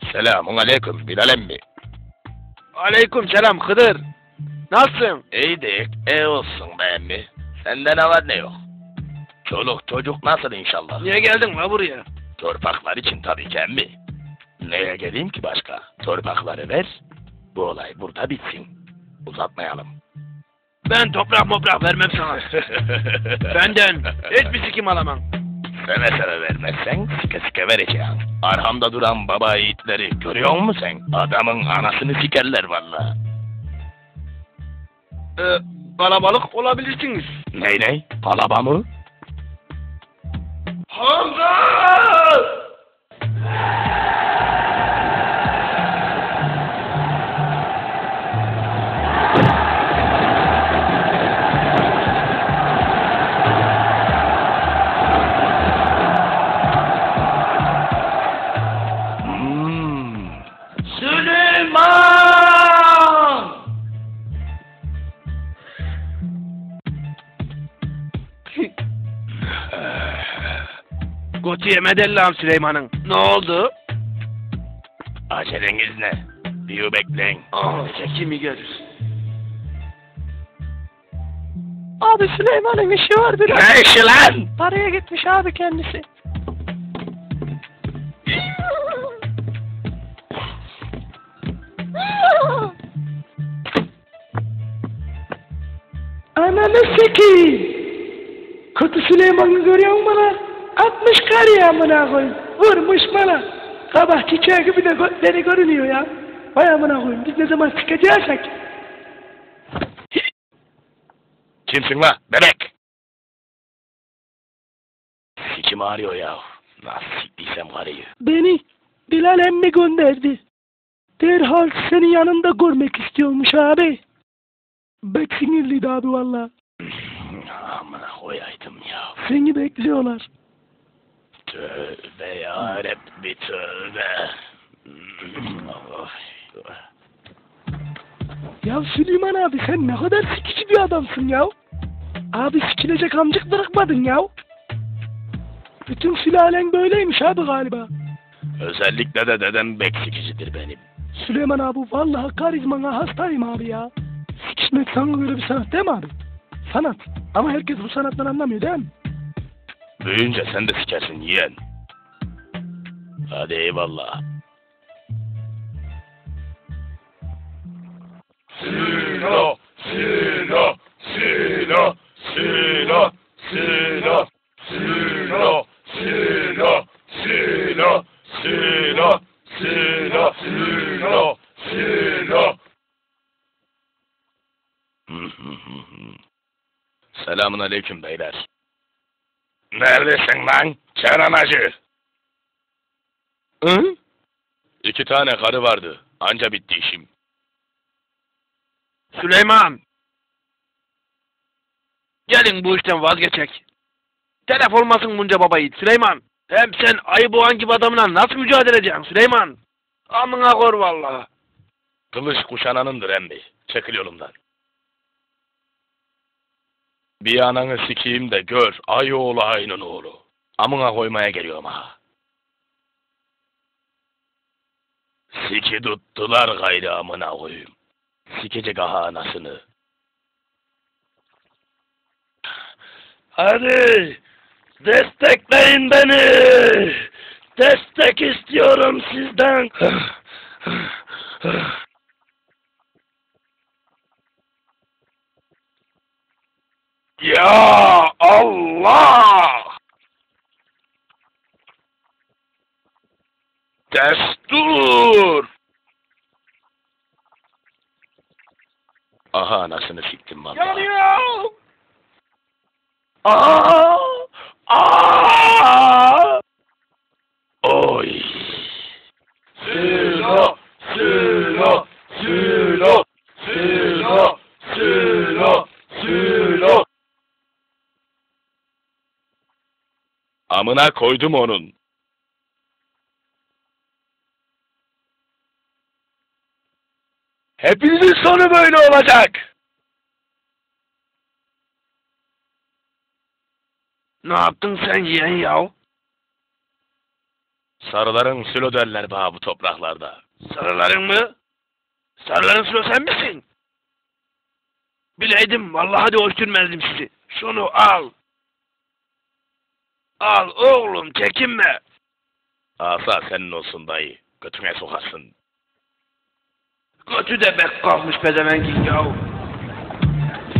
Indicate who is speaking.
Speaker 1: Selamun aleyküm Bilal emmi.
Speaker 2: Aleyküm selam Hıdır. Nasılsın?
Speaker 1: İyidik, iyi olsun be emmi. Sende ne var ne yok? Çoluk çocuk nasıl inşallah?
Speaker 2: Niye geldin la buraya?
Speaker 1: Torpaklar için tabii ki emmi. Neye geleyim ki başka? Torpakları ver, bu olay burada bitsin. Uzatmayalım.
Speaker 2: Ben toprak vermem sana. Benden hiçbir sikim alamam.
Speaker 1: Seve seve vermezsen sike sike vereceğim. Arhamda duran baba yiğitleri görüyor musun sen? Adamın anasını sikerler valla.
Speaker 2: Kalabalık olabilirsiniz.
Speaker 1: Ney? Palaba mı?
Speaker 2: Hamza! Süleyman! Koçu yemedi Allah'ım Süleyman'ın. Ne oldu?
Speaker 1: Aceleniz ne? Bir bekleyin.
Speaker 2: Kimi görür?
Speaker 3: Abi Süleyman'ın işi var biraz.
Speaker 1: Ne işi lan?
Speaker 3: Paraya gitmiş abi kendisi. Ananı sikeyim. Kötü Süleyman'ı görüyor musun bana? 60 kar ya amına koyayım. Vurmuş bana. Kabah çiçeği gibi de götleri görünüyor ya. Vay amına koyayım. Biz ne zaman sikeceğiz?
Speaker 1: Kimsin la? Bebek! Sikim ağrıyor ya. Nasıl siktiysem karıyı.
Speaker 3: Beni Bilal emmi gönderdi. Derhal senin yanında görmek istiyormuş abi. Bek sinirliydi abi valla.
Speaker 1: Amına koyaydım ya.
Speaker 3: Seni bekliyorlar.
Speaker 1: Tövbe yarabbi tövbe.
Speaker 3: Ya Süleyman abi sen ne kadar sikici bir adamsın ya. Abi sikilecek amcık bırakmadın ya. Bütün sülalen böyleymiş abi galiba.
Speaker 1: Özellikle de dedem bek sikicidir benim.
Speaker 3: Süleyman abi vallahi karizmana hastayım abi ya. Sikişmek sana göre bir sanat değil mi abi? Sanat. Ama herkes bu sanattan anlamıyor değil mi?
Speaker 1: Büyüyünce sen de sikersin yeğen. Hadi eyvallah. Silo, silo, silo, silo, silo, silo, silo, silo, silo, silo, silo, silo. Selamun aleyküm beyler. Neredesin lan? Kenan Hacı. Hı? 2 tane karı vardı. Anca bitti işim.
Speaker 2: Süleyman! Gelin bu işten vazgeçek. Telef olmasın bunca baba yiğit Süleyman. Hem sen ayı boğan gibi adamla nasıl mücadele edeceksin Süleyman? Amına kor vallahi.
Speaker 1: Kılıç kuşananındır emmi. Çekil yolumdan. Bir ananı sikeyim de gör. Ay oğlu aynın oğlu. Amına koymaya geliyorum ha. Siki tuttular gayrı amına koyayım. Sikecek aha anasını. Hadi destekleyin beni. Destek istiyorum sizden. Ya Allah! Destur! Aha anasını siktim valla.
Speaker 2: Yanıyor!
Speaker 1: Aa! Aa! Oy! Silo! Silo! Silo! Silo! Silo! Silo! Amına koydum onun. Hepinizin sonu böyle olacak.
Speaker 2: Ne yaptın sen yeğen yav?
Speaker 1: Sarıların sülo derler bana bu topraklarda.
Speaker 2: Sarıların mı? Sarıların sıra sen misin? Bileydim vallahi de öldürmezdim sizi. Şunu al. Al oğlum çekinme.
Speaker 1: Asa senin olsun dayı. Götüne sokarsın.
Speaker 2: Götü de bek kalkmış pezevenkin yahu.